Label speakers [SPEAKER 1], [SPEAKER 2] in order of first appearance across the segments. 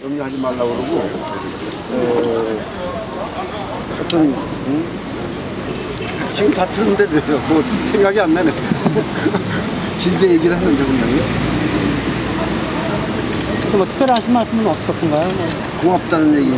[SPEAKER 1] 염려하지 말라고 그러고, 하여튼, 지금 다 틀는데 뭐 생각이 안 나네. 길게 얘기를 하는데 분명히.
[SPEAKER 2] 뭐 특별히 하신 말씀은 없었던가요?
[SPEAKER 1] 고맙다는 얘기.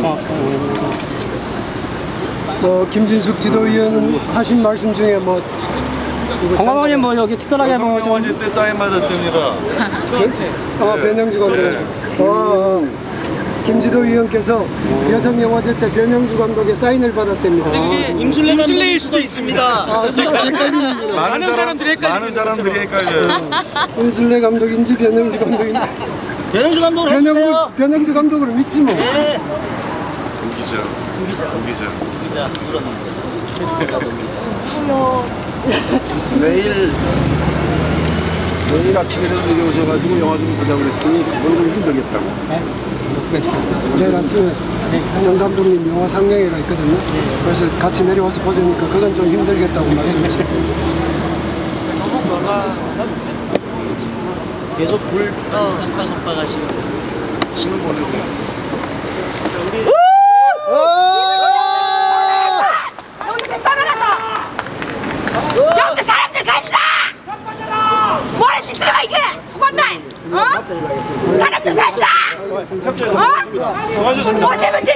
[SPEAKER 1] 김진숙 지도위원은 하신 말씀 중에 뭐
[SPEAKER 2] 건강원이 뭐 여기 특별하게 뭐
[SPEAKER 3] 여성영화제 때 사인 받았답니다.
[SPEAKER 1] 변영주 감독. 김지도 위원께서 여성영화제 때 변영주 감독의 사인을 받았답니다.
[SPEAKER 2] 그게 임술래일 수도 있습니다.
[SPEAKER 3] 많은 사람들이 헷갈려요.
[SPEAKER 1] 임술래 감독인지 변영주 감독인지.
[SPEAKER 2] 변영주 감독을 해주세요.
[SPEAKER 1] 변영주 감독을 믿지 뭐.
[SPEAKER 2] 네.
[SPEAKER 3] 우기자.
[SPEAKER 1] 내일 아침에라도 내려오셔가지고 영화 좀 보자고 그랬더니 그건 좀 힘들겠다고. 내일 아침에 정 감독님 영화 상영회가 있거든요. 그래서 같이 내려와서 보자니까 그건 좀 힘들겠다고 말씀하셨어요.
[SPEAKER 2] 계속 불 깜빡깜빡 하시는
[SPEAKER 3] 신문 보내고.
[SPEAKER 4] 여기 사람들 간다! 뭐라 시끄러워 이게! 무겁다! 어? 사람들 간다! 어?
[SPEAKER 3] 수고하셨습니다.
[SPEAKER 4] 뭐 때문에